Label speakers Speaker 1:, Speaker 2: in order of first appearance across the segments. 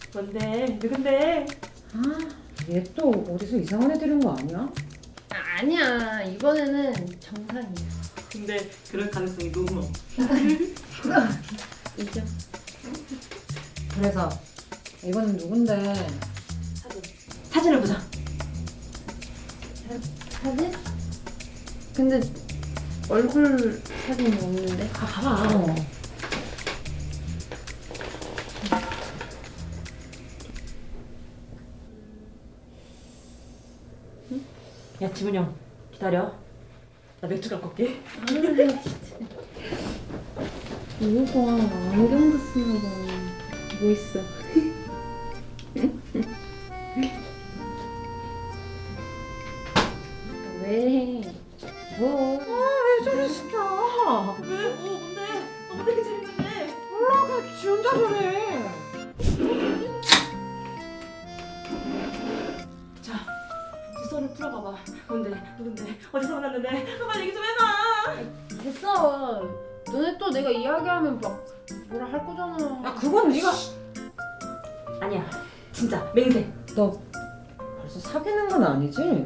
Speaker 1: 뭔데? 누군데?
Speaker 2: 얘 또 어디서 이상한 애 들은 거 아니야?
Speaker 3: 아니야, 이번에는 정상이야.
Speaker 1: 근데 그럴 가능성이 너무 높아.
Speaker 3: 인정.
Speaker 2: 그래서 이거는 누군데?
Speaker 1: 사진을 보자.
Speaker 3: 사진? 근데 얼굴 사진이 없는데?
Speaker 1: 봐봐. 야, 지문이 형 기다려. 나 맥주 갖고 올게.
Speaker 3: 아, 진짜. 이거 봐, 안경도 쓰는 거. 뭐 있어? 왜? 뭐?
Speaker 2: 왜 저래 진짜?
Speaker 1: 왜? 뭔데? 뭔데 그 재밌는데?
Speaker 2: 몰라 그냥 지 혼자 저래.
Speaker 1: 자, 주소를 풀어봐봐. 뭔데? 누군데? 어디서 만났는데? 빨리 얘기 좀 해봐.
Speaker 3: 됐어. 너네 또 내가 이야기하면 막 뭐라 할 거잖아.
Speaker 2: 야 그건 네가
Speaker 1: 아니야. 진짜 맹세.
Speaker 2: 너 벌써 사귀는 건 아니지?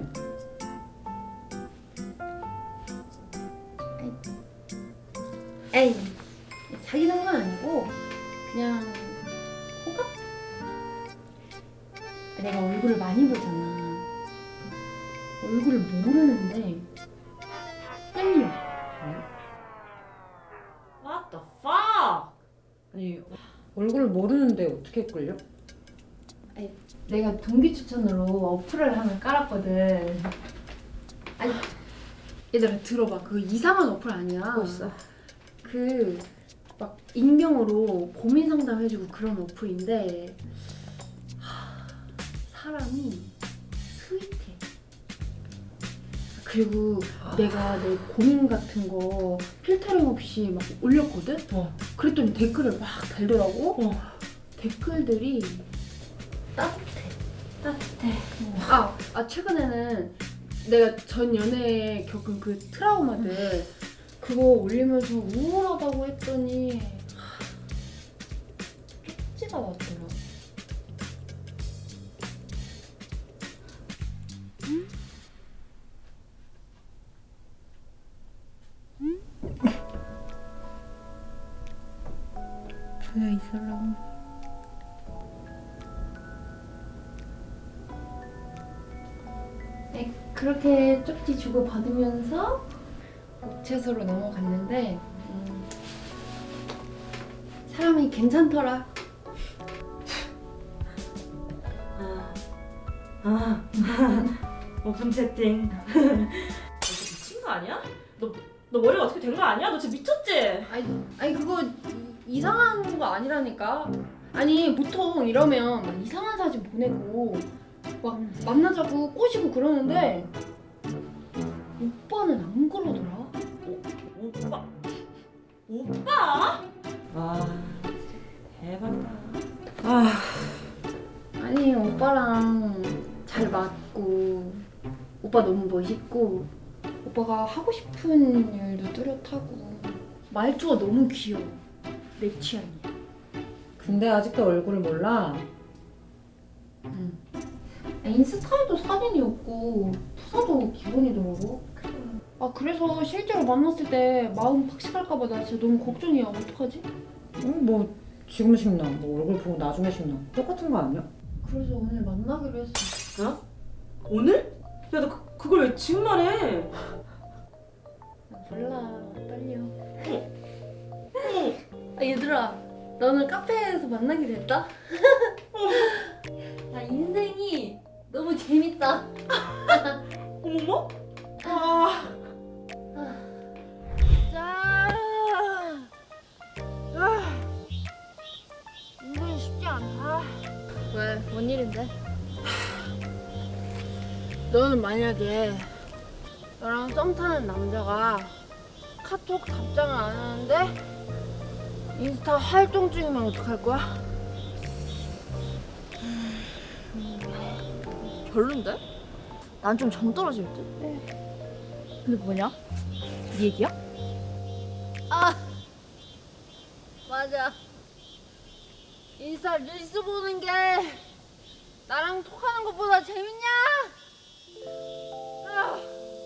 Speaker 3: 에이, 사귀는 건 아니고 그냥 호감? 내가 얼굴을 많이 보잖아. 얼굴을 모르는데 끌려.
Speaker 1: What the fuck?
Speaker 2: 아니 얼굴을 모르는데 어떻게 끌려?
Speaker 3: 내가 동기 추천으로 어플을 하나 깔았거든. 아니, 얘들아 들어봐. 그거 이상한 어플 아니야.
Speaker 1: 뭐 있어?
Speaker 3: 그 막 익명으로 고민 상담해주고 그런 어플인데 사람이 스윗해. 그리고 내가 내 고민 같은 거 필터링 없이 막 올렸거든? 그랬더니 댓글을 막 달더라고? 댓글들이 따뜻해. 최근에는 내가 전 연애에 겪은 그 트라우마들 그거 올리면서 우울하다고 했더니 쪽지가 왔더라. 조용히 있으라고. 그렇게 쪽지 주고 받으면서 복채소로 넘어갔는데 사람이 괜찮더라.
Speaker 1: 오픈 채팅. 너 미친 거 아니야? 너 머리가 어떻게 된 거 아니야? 너 진짜 미쳤지?
Speaker 3: 아니 그거 이상한 거 아니라니까. 아니 보통 이러면 막 이상한 사진 보내고 막 만나자고 꼬시고 그러는데 오빠는 안 그러더라.
Speaker 1: 오빠? 오빠? 와, 대박이다.
Speaker 3: 아니 오빠랑 잘 맞고 오빠 너무 멋있고 오빠가 하고 싶은 일도 뚜렷하고 말투가 너무 귀여워. 내 취향이야.
Speaker 2: 근데 아직도 얼굴을 몰라?
Speaker 3: 인스타에도 사진이 없고 프사도 기본이더라고. 그래서 실제로 만났을 때 마음 박식할까봐 나 진짜 너무 걱정이야. 어떡하지?
Speaker 2: 뭐 지금 식나 뭐 얼굴 보고 나중에 식나 똑같은 거 아니야?
Speaker 3: 그래서 오늘 만나기로 했어.
Speaker 1: 어? 오늘? 야, 너 그걸 왜 지금 말해?
Speaker 3: 몰라. 떨려. 얘들아, 너는 카페에서 만나게 됐다? 나 인생이 너무 재밌다.
Speaker 1: 어머머? 아,
Speaker 3: 인생이 쉽지 않다. 왜? 뭔 일인데? 너는 만약에 너랑 썸 타는 남자가 카톡 답장을 안 하는데 인스타 활동 중이면 어떡할 거야?
Speaker 4: 별론데? 난 좀 정 떨어질 듯? 근데 뭐냐? 네 얘기야?
Speaker 3: 맞아. 인스타 릴스 보는 게 나랑 톡하는 것보다 재밌냐? 아.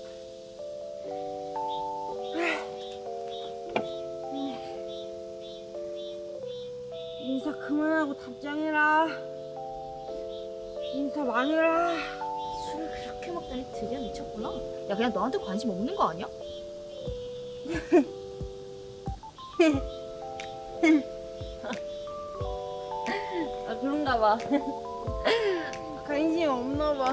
Speaker 3: 인스타 그만하고 답장해라. 인스타 많이 해라.
Speaker 4: 술을 그렇게 먹다니 드디어 미쳤구나. 야, 그냥 너한테 관심 없는 거 아니야?
Speaker 3: 아, 그런가 봐. 관심 없나 봐.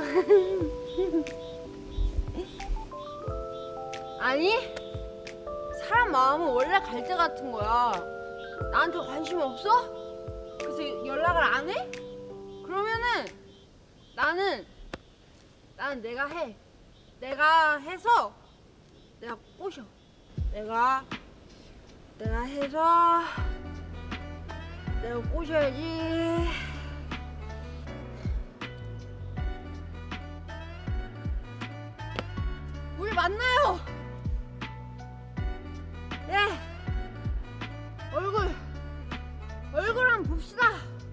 Speaker 3: 아니, 사람 마음은 원래 갈대 같은 거야. 나한테 관심 없어? 그래서 연락을 안 해? 그러면은 나는 내가 해. 내가 해서 내가 꼬셔. 내가 해서 내가 꼬셔야지. 우리 만나요. 네. 얼굴 한번 봅시다.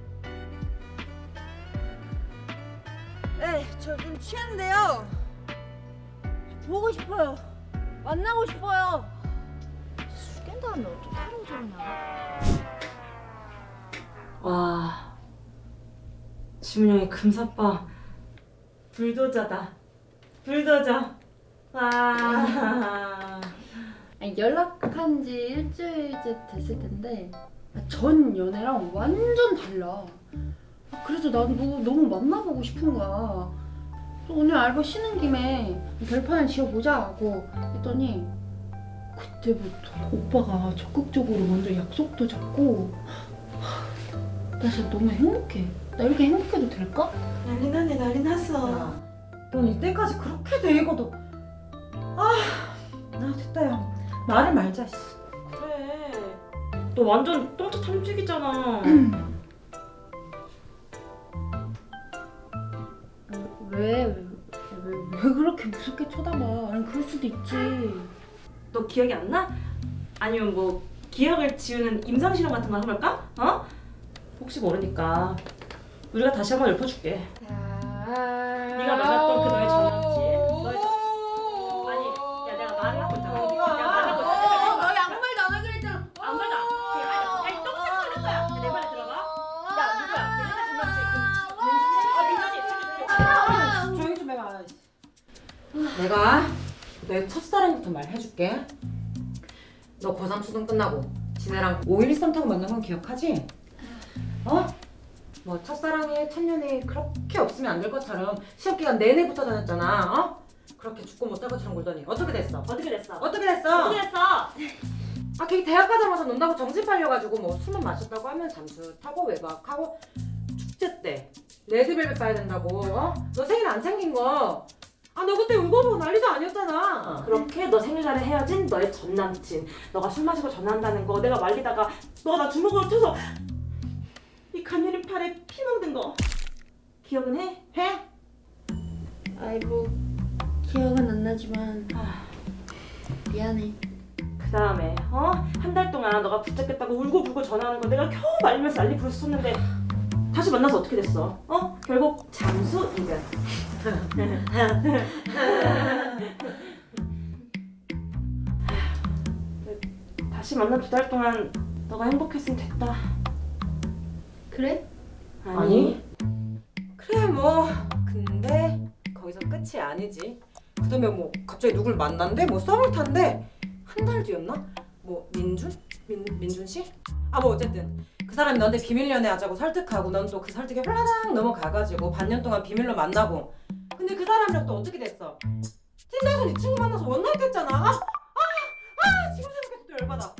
Speaker 3: 네, 저 좀 취했는데요. 보고 싶어요. 만나고 싶어요.
Speaker 4: 술 깬 다음에 어떻게 하루 저러냐.
Speaker 1: 와, 지문형의 금사빠 불도저다. 불도저. 와.
Speaker 3: 아니, 연락한 지 일주일째 됐을 텐데 전 연애랑 완전 달라. 그래서 나도 너무 만나보고 싶은 거야. 그래서 오늘 알바 쉬는 김에 별판을 지어보자 하고 했더니 그때부터 오빠가 적극적으로 먼저 약속도 잡고 나 진짜 너무 행복해. 나 이렇게 행복해도 될까?
Speaker 1: 난리 났네, 난리 났어.
Speaker 2: 야, 넌 이때까지 그렇게 대이고도 나 됐다 야. 말을 말자. 씨.
Speaker 1: 그래. 너 완전 똥차 탐지기잖아.
Speaker 3: 왜 그렇게 무섭게 쳐다봐? 아니, 그럴 수도 있지.
Speaker 1: 너 기억이 안 나? 아니면 뭐 기억을 지우는 임상실험 같은 거 해볼까? 어? 혹시 모르니까 우리가 다시 한번 읊어줄게. 네가 만났던 그 너의 전 남친. 아니, 야, 내가 말을 하고 있잖아. 내가 말하고 있잖아.
Speaker 3: 너희 아무 말도 안 하기로 했잖아.
Speaker 1: 안 맞아. 아니, 똥차 소리 거야. 내 말에 들어봐. 야, 누구야? 내 옛날 전 남친. 민준이? 민준이.
Speaker 2: 조용히 좀 해봐. 내가 내 첫사랑부터 말해줄게. 너 고3 수능 끝나고 지네랑 5.13 타고 만난 건 기억하지? 어? 뭐 첫사랑에 첫년에 그렇게 없으면 안 될 것처럼 시험 기간 내내 붙어 다녔잖아. 어? 그렇게 죽고 못할 것처럼 굴더니 어떻게 됐어?
Speaker 1: 어떻게 됐어?
Speaker 2: 어떻게 됐어?
Speaker 1: 어떻게 됐어?
Speaker 2: 아, 걔 대학 가자마자 논다고 정신 팔려가지고 뭐 술만 마셨다고 하면 잠수 타고 외박하고 축제 때 레드벨벳 봐야 된다고. 어? 너 생일 안 챙긴 거. 아, 너 그때 울고보고 난리도 아니었잖아.
Speaker 1: 그렇게 너 생일날에 헤어진 너의 전 남친. 너가 술 마시고 전화한다는 거 내가 말리다가 너가 나 주먹으로 쳐서 이 간녀린 팔에 피 묻은 거 기억은 해?
Speaker 2: 해?
Speaker 3: 아이, 뭐 기억은 안 나지만 미안해.
Speaker 1: 그 다음에 한 달 동안 너가 붙잡겠다고 울고불고 전화하는 거 내가 겨우 말리면서 난리 부르셨는데 다시 만나서 어떻게 됐어? 결국 잠수 이별. 다시 만나 2달 동안 너가 행복했으면 됐다.
Speaker 3: 그래?
Speaker 2: 아니. 그래 뭐 근데 거기서 끝이 아니지. 그다음에 뭐 갑자기 누굴 만난대? 뭐 썸을 탄대. 한 달 뒤였나? 뭐 민준? 민준 씨? 아 뭐 어쨌든 그 사람이 너한테 비밀 연애하자고 설득하고 넌 또 그 설득에 홀라당 넘어가가지고 반년 동안 비밀로 만나고. 근데 그 사람이랑 또 어떻게 됐어? 틴더에서 네 친구 만나서 원나잇 했잖아. 지금 생각해도 또 열받아.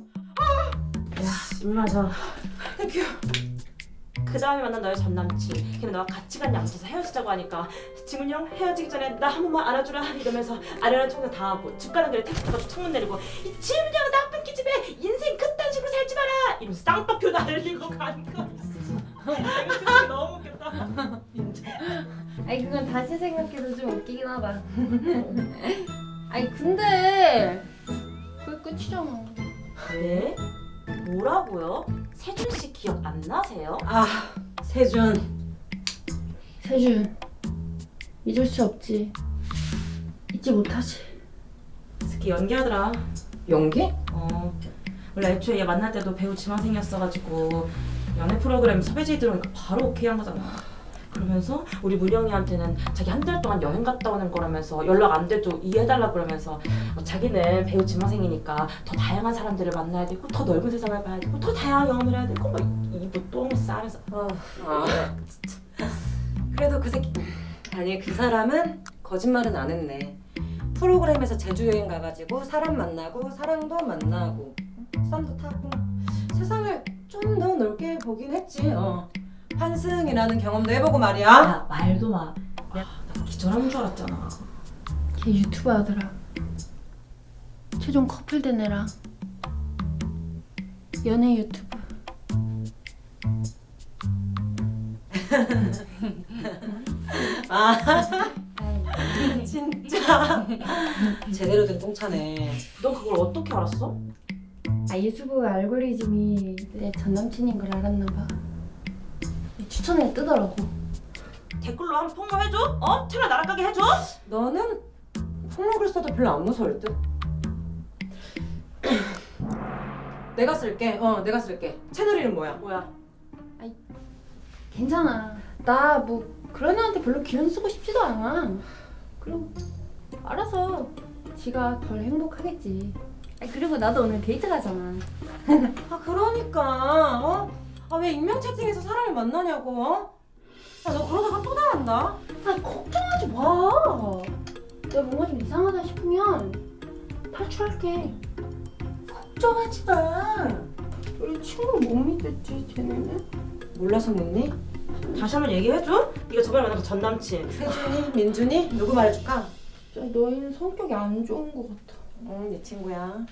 Speaker 1: 입마저.
Speaker 2: 땡큐.
Speaker 1: 그 다음에 만난 너의 전 남친. 걔는 너가 가치관이 안 맞아서 헤어지자고 하니까 지문이 형 헤어지기 전에 나 한 번만 안아주라 이러면서 아련한 청소 다 하고 집 가는 길에 택시 타고 창문 내리고 이 지문이 형 나쁜 기집애 인생 그딴 식으로 살지 마라 이러면서 쌍꺼풀 날리고 가는 거. 이거 진짜 너무 웃겼다.
Speaker 3: 아니, 그건 다시 생각해도 좀 웃기긴 하다. 아니, 근데 그게 끝이잖아.
Speaker 1: 네? 뭐라고요? 세준 씨 기억 안 나세요?
Speaker 2: 아, 세준.
Speaker 3: 세준, 잊을 수 없지. 잊지 못하지.
Speaker 1: 특히 연기하더라.
Speaker 2: 연기?
Speaker 1: 원래 애초에 얘 만날 때도 배우 지망생이었어가지고 연애 프로그램 섭외지 들어오니까 바로 오케이 한 거잖아. 그러면서 우리 문영이한테는 자기 한 달 동안 여행 갔다 오는 거라면서 연락 안 돼도 이해해달라 그러면서 자기는 배우 지망생이니까 더 다양한 사람들을 만나야 되고 더 넓은 세상을 봐야 되고 더 다양한 경험을 해야 되고 막 이부 똥을 싸면서
Speaker 2: 그래도 그 새끼 아니 그 사람은 거짓말은 안 했네. 프로그램에서 제주 여행 가가지고 사람 만나고 사랑도 만나고 썸도 타고 세상을 좀 더 넓게 보긴 했지. 환승이라는 경험도 해보고 말이야.
Speaker 1: 야 말도 마. 나 기절하는 줄 알았잖아.
Speaker 3: 걔 유튜브 하더라. 최종 커플 된 애랑 연애 유튜브.
Speaker 2: 아 진짜 제대로 된 똥차네.
Speaker 1: 너 그걸 어떻게 알았어?
Speaker 3: 유튜브 알고리즘이 내 전 남친인 걸 알았나 봐. 추천에 뜨더라고.
Speaker 1: 댓글로 한번 폭로해줘? 채널 날아가게 해줘?
Speaker 2: 너는 폭로글 써도 별로 안 무서울 듯. 내가 쓸게. 내가 쓸게. 채널 이름 뭐야?
Speaker 1: 뭐야?
Speaker 3: 괜찮아. 나 뭐 그런 애한테 별로 기운 쓰고 싶지도 않아. 그리고 알아서 지가 덜 행복하겠지. 그리고 나도 오늘 데이트 가잖아.
Speaker 2: 아 그러니까 왜 익명 채팅에서 사람을 만나냐고. 너 그러다가 또 당한다.
Speaker 3: 걱정하지 마. 내가 뭔가 좀 이상하다 싶으면 탈출할게. 걱정하지 마. 우리 친구를 못 믿겠지, 쟤네는?
Speaker 2: 몰라서 묻니?
Speaker 1: 다시 한번 얘기해줘? 네가 저번에 만난 그 전 남친.
Speaker 2: 세준이? 민준이? 누구 말해줄까?
Speaker 3: 진짜 너희는 성격이 안 좋은 것 같아.
Speaker 2: 네 친구야.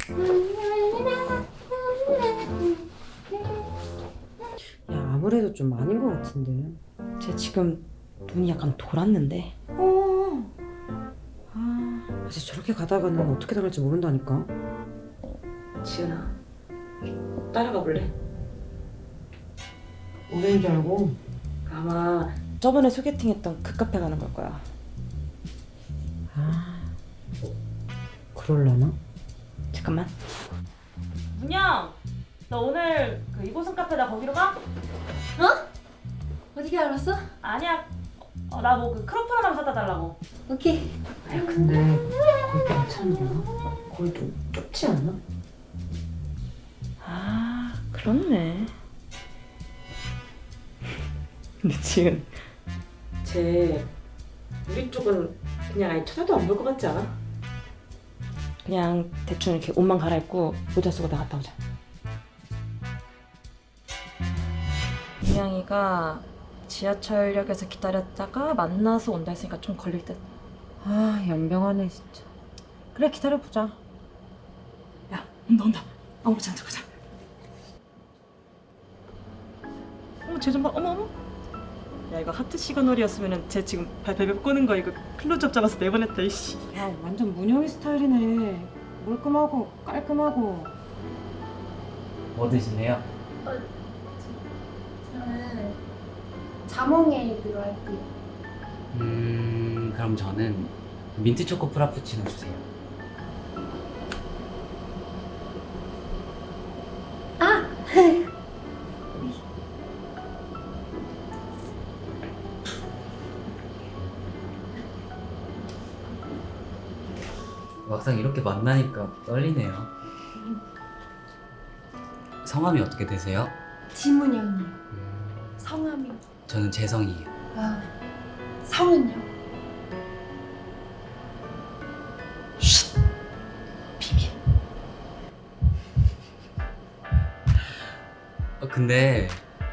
Speaker 5: 야 아무래도 좀 아닌 것 같은데.
Speaker 1: 쟤 지금 눈이 약간 돌았는데.
Speaker 5: 아직 저렇게 가다가는 어떻게 당할지 모른다니까.
Speaker 1: 지은아, 따라가 볼래?
Speaker 5: 오래인 줄 알고.
Speaker 1: 아마 저번에 소개팅했던 그 카페 가는 걸 거야.
Speaker 5: 그럴라나?
Speaker 1: 잠깐만. 문영, 너 오늘 그 이보성 카페다 거기로 가?
Speaker 3: 어떻게 알았어?
Speaker 1: 아니야. 나 뭐 그 크로플 하나 사다 달라고.
Speaker 3: 오케이.
Speaker 5: 야 근데 거기 괜찮냐? 거기 좀 좁지 않아?
Speaker 1: 그렇네. 근데 지금 쟤 우리 쪽은 그냥 아예 쳐다도 안 볼 것 같지 않아? 그냥 대충 이렇게 옷만 갈아입고 모자 쓰고 나갔다 오자. 민영이가 지하철역에서 기다렸다가 만나서 온다 했으니까 좀 걸릴 듯.
Speaker 5: 연병하네 진짜. 그래 기다려보자.
Speaker 1: 야, 온다. 아무렇지 않게 가자. 쟤 좀 봐. 어머. 야, 이거 하트 시그널이었으면은 쟤 지금 발베베 꼬는 거 이거 클로즈업 잡아서 내보냈다 이씨.
Speaker 5: 야 완전 문영이 스타일이네. 몰끔하고 깔끔하고.
Speaker 6: 뭐 드시네요?
Speaker 3: 저는 자몽에 들어갈게요.
Speaker 6: 그럼 저는 민트 초코 프라푸치노 주세요. 막상 이렇게 만나니까 떨리네요. 성함이 어떻게 되세요?
Speaker 3: 지문영이요. 성함이.
Speaker 6: 저는 재성이에요.
Speaker 3: 성은요?
Speaker 6: 비밀. 근데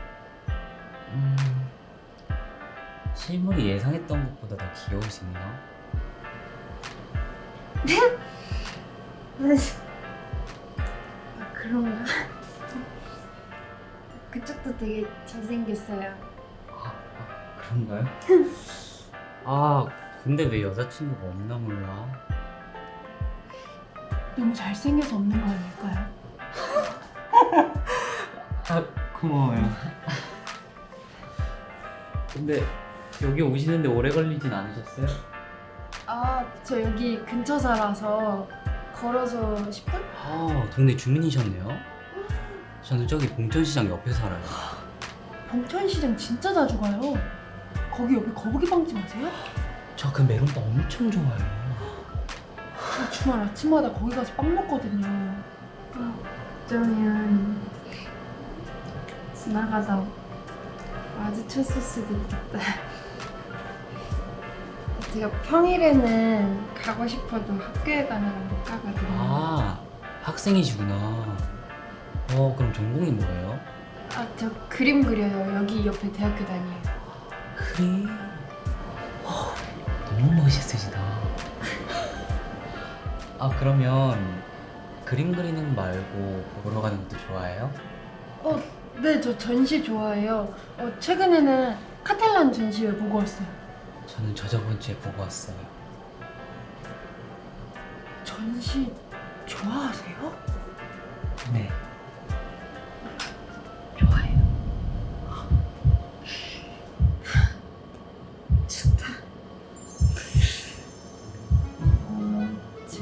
Speaker 6: 실물이 예상했던 것보다 더 귀여우시네요.
Speaker 3: 그런가? 그쪽도 되게 잘생겼어요.
Speaker 6: 그런가요? 근데 왜 여자친구가 없나 몰라.
Speaker 3: 너무 잘생겨서 없는 거 아닐까요?
Speaker 6: 아, 고마워요. 근데 여기 오시는데 오래 걸리진 않으셨어요?
Speaker 3: 아, 저 여기 근처 살아서 걸어서 10분?
Speaker 6: 아, 동네 주민이셨네요? 저는 저기 봉천시장 옆에 살아요.
Speaker 3: 봉천시장 진짜 자주 가요. 거기 옆에 거북이 빵집 아세요?
Speaker 6: 저 그 메론빵 엄청 좋아해요.
Speaker 3: 저 주말 아침마다 거기 가서 빵 먹거든요. 어쩌면 지나가다 마주쳤을 수도 있겠다. 제가 평일에는 가고 싶어도 학교에 가면 못 가거든요.
Speaker 6: 아, 학생이시구나. 그럼 전공이 뭐예요?
Speaker 3: 아, 저 그림 그려요. 여기 옆에 대학교 다녀요.
Speaker 6: 그림? 너무 멋있으시다. 아, 그러면 그림 그리는 거 말고 보러 가는 것도 좋아해요?
Speaker 3: 네, 저 전시 좋아해요. 최근에는 카탈란 전시회 보고 왔어요.
Speaker 6: 저는 저번 주에 보고 왔어요.
Speaker 3: 전시 좋아하세요?
Speaker 6: 네.
Speaker 3: 좋아해요. 좋다. 저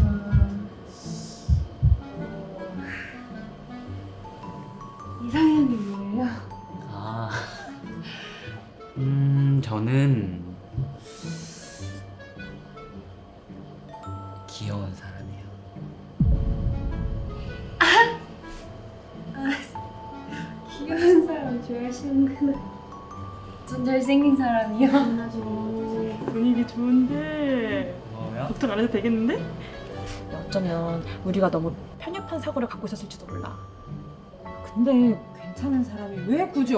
Speaker 3: 이상형이 뭐예요?
Speaker 6: 아, 저는 귀여운 사람이에요.
Speaker 3: 귀여운 사람 좋아하시는구나. 전 잘생긴 사람이요.
Speaker 1: 분위기 좋은데
Speaker 6: 고마워요.
Speaker 1: 걱정 안 해도 되겠는데? 어쩌면 우리가 너무 편협한 사고를 갖고 있었을지도 몰라.
Speaker 2: 근데 괜찮은 사람이 왜 굳이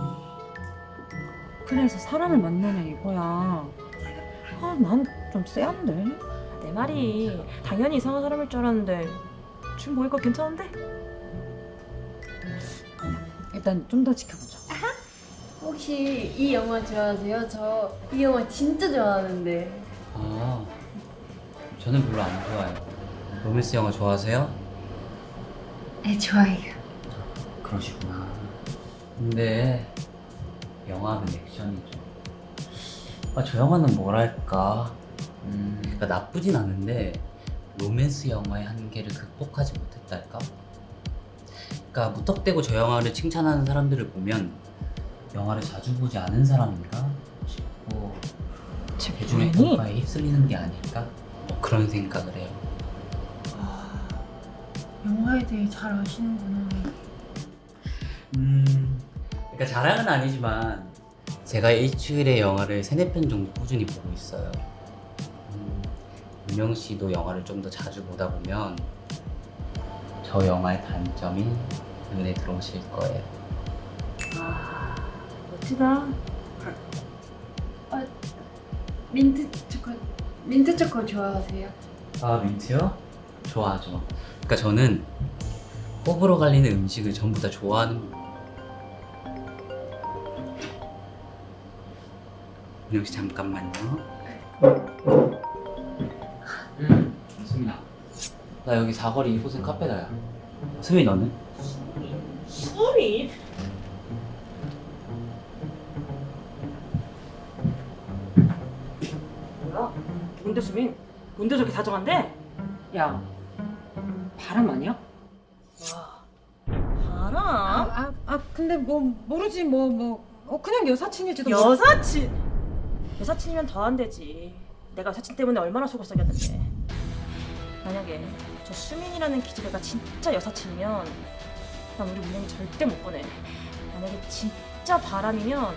Speaker 2: 어플에서 사람을 만나냐 이거야. 아, 난 좀 쎄한데.
Speaker 1: 내 말이 당연히 이상한 사람일 줄 알았는데 지금 보니까 괜찮은데?
Speaker 2: 일단 좀 더 지켜보자.
Speaker 3: 혹시 이 영화 좋아하세요? 저 이 영화 진짜 좋아하는데.
Speaker 6: 아, 저는 별로 안 좋아해요. 로맨스 영화 좋아하세요?
Speaker 3: 네, 좋아해요.
Speaker 6: 그러시구나. 근데 영화는 액션이죠. 저 영화는 뭐랄까, 그러니까 나쁘진 않은데 로맨스 영화의 한계를 극복하지 못했달까? 그러니까 무턱대고 저 영화를 칭찬하는 사람들을 보면 영화를 자주 보지 않은 사람인가 싶고 대중의 평가에 휩쓸리는 게 아닐까? 뭐 그런 생각을 해요.
Speaker 3: 영화에 대해 잘 아시는구나.
Speaker 6: 그러니까 자랑은 아니지만 제가 일주일에 영화를 3-4편 정도 꾸준히 보고 있어요. 윤영 씨도 영화를 좀 더 자주 보다 보면 저 영화의 단점이 눈에 들어오실 거예요.
Speaker 1: 멋지다.
Speaker 3: 민트 초코 좋아하세요?
Speaker 6: 아, 민트요? 좋아하죠. 그러니까 저는 호불호 갈리는 음식을 전부 다 좋아하는 윤영 씨 잠깐만요. 수민아, 나 여기 사거리 이곳은 카페다야. 수민 너는?
Speaker 1: 수업이? 뭐야? 뭔데 수빈? 뭔데 저렇게 다정한데?
Speaker 2: 야, 바람 아니야?
Speaker 1: 바람?
Speaker 2: 근데 뭐 모르지 그냥 여사친일지도.
Speaker 1: 여사친? 여사친이면 더 안 되지. 내가 여사친 때문에 얼마나 속을 썩였는데. 만약에 저 수민이라는 기집애가 진짜 여사친이면 난 우리 문영이 절대 못 보내. 만약에 진짜 바람이면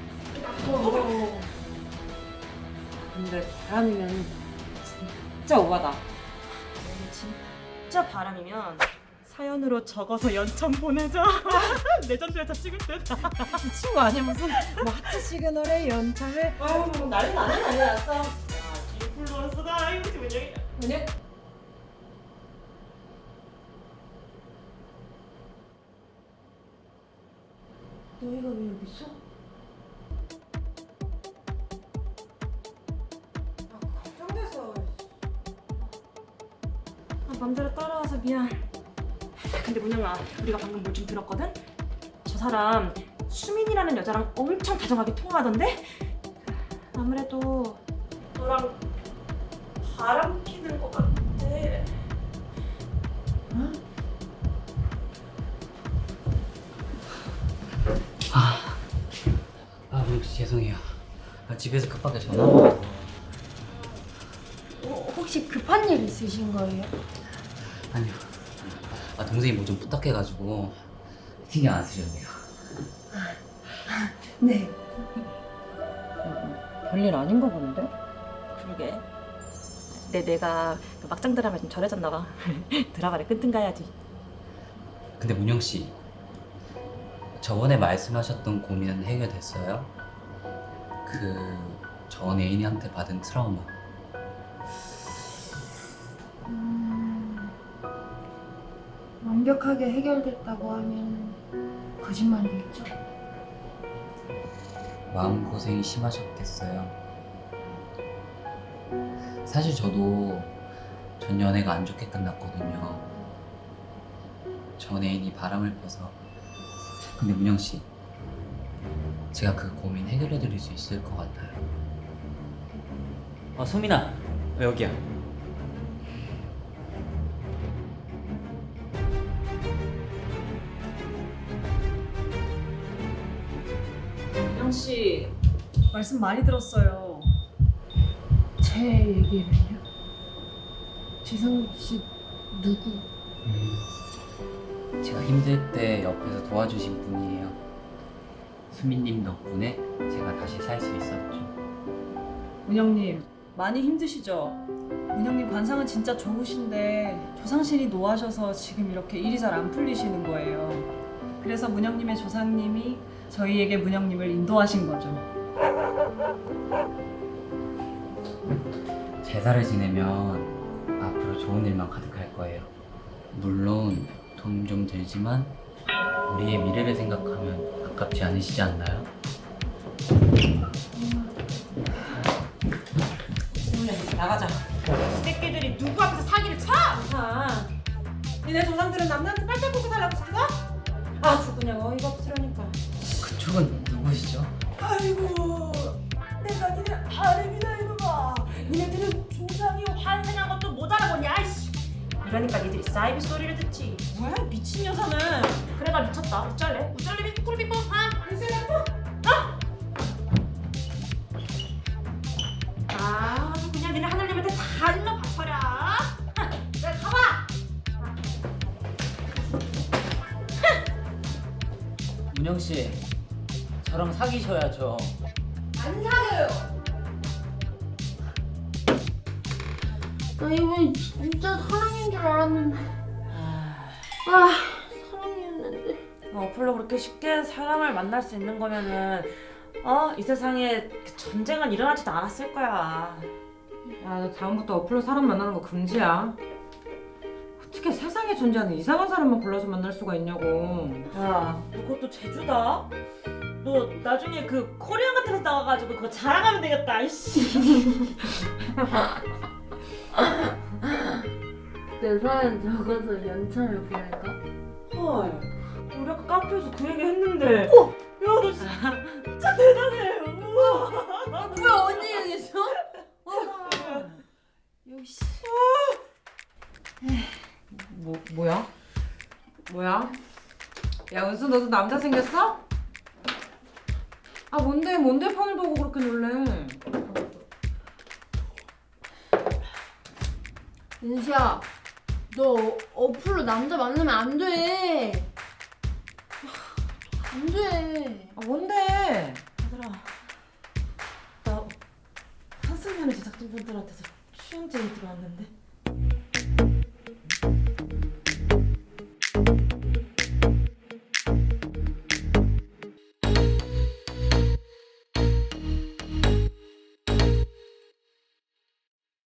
Speaker 2: 근데 바람이면 진짜 오바다.
Speaker 1: 만약에 진짜 바람이면 사연으로 적어서 연참 보내자. 내전도 연참 찍을 듯.
Speaker 2: 이 친구 아니야 무슨 뭐 하트 시그널에 연차에.
Speaker 1: 아유 난리 났어. 야 디플로스다. 이거 지금 문영이.
Speaker 2: 그냥
Speaker 1: 너희가 왜 여기 있어?
Speaker 2: 걱정돼서.
Speaker 1: 맘대로 따라와서 미안. 근데 문영아, 우리가 방금 뭐 좀 들었거든? 사람 수민이라는 여자랑 엄청 다정하게 통화하던데? 아무래도 너랑 바람 피는 것 같아.
Speaker 6: 문영 씨 죄송해요. 집에서 급하게 전화 와서.
Speaker 3: 혹시 급한 일 있으신 거예요?
Speaker 6: 아니요. 동생이 뭐 좀 부탁해가지고 신경 안 쓰셔도 돼요.
Speaker 3: 네.
Speaker 2: 별일 아닌 거 본데?
Speaker 1: 그러게. 내가 그 막장 드라마에 좀 절해졌나 봐. 드라마를 끈뜬 가야지.
Speaker 6: 근데 문영 씨, 저번에 말씀하셨던 고민은 해결됐어요? 전 애인한테 받은 트라우마.
Speaker 3: 완벽하게 해결됐다고 하면 거짓말이겠죠?
Speaker 6: 마음고생이 심하셨겠어요. 사실 저도 전 연애가 안 좋게 끝났거든요. 전 애인이 바람을 펴서. 근데 문영 씨, 제가 그 고민 해결해 드릴 수 있을 것 같아요. 소민아, 여기야.
Speaker 5: 민영 씨 말씀 많이 들었어요.
Speaker 3: 제 얘기를요? 지성 씨 누구?
Speaker 6: 제가 힘들 때 옆에서 도와주신 분이에요. 수민님 덕분에 제가 다시 살 수 있었죠.
Speaker 5: 문영님 많이 힘드시죠? 문영님 관상은 진짜 좋으신데 조상신이 노하셔서 지금 이렇게 일이 잘 안 풀리시는 거예요. 그래서 문영님의 조상님이 저희에게 문영님을 인도하신 거죠.
Speaker 6: 제사를 지내면 앞으로 좋은 일만 가득할 거예요. 물론 돈 좀 들지만 우리의 미래를 생각하면 아깝지 않으시지 않나요?
Speaker 2: 나가자.
Speaker 1: 이 새끼들이 누구 앞에서 사기를 쳐?
Speaker 2: 니네 조상들은 남자한테 빨대 꽂고 살라고 시켰어? 아주 그냥 어이가 없으려니까.
Speaker 6: 그쪽은 누구시죠?
Speaker 1: 아이고, 내가 니네 아름이다 이놈아. 니네들은 조상이 환생한 것도 못 알아보냐? 이씨. 이러니까 니들이 사이비 소리를 듣지.
Speaker 2: 뭐야 미친 여자는.
Speaker 1: 그래 나 미쳤다. 어쩔래? 우쩔래? 꿀비뽕? 그냥 니네 하늘님한테 다 일러 바쳐라. 내가 가봐.
Speaker 6: 문영 씨, 저랑 사귀셔야죠.
Speaker 3: 안 사겨요. 나 이번에 진짜 사랑인 줄 알았는데. 사랑이었는데.
Speaker 1: 어플로 그렇게 쉽게 사람을 만날 수 있는 거면은 이 세상에 전쟁은 일어나지도 않았을 거야.
Speaker 2: 야, 너 다음부터 어플로 사람 만나는 거 금지야. 어떻게 세상에 존재하는 이상한 사람만 골라서 만날 수가 있냐고.
Speaker 1: 야, 너 그것도 제주다? 너 나중에 그 코리안 같은 데 나가가지고 그거 자랑하면 되겠다. 이씨.
Speaker 3: 내 사연 적어서 연찬을 보낼까?
Speaker 1: 헐, 우리 아까 카페에서 그 얘기 했는데. 야, 너 진짜 대단해. 우와.
Speaker 3: 뭐야 언니 얘기했어? 역시.
Speaker 2: 뭐야? 뭐야? 야 은수 너도 남자 생겼어? 아 뭔데 폰을 보고 그렇게 놀래?
Speaker 3: 은수야, 너 어플로 남자 만나면 안 돼. 안 돼.
Speaker 2: 아 뭔데?
Speaker 1: 얘들아, 나 한승연의 제작진분들한테서 추행제이 들어왔는데.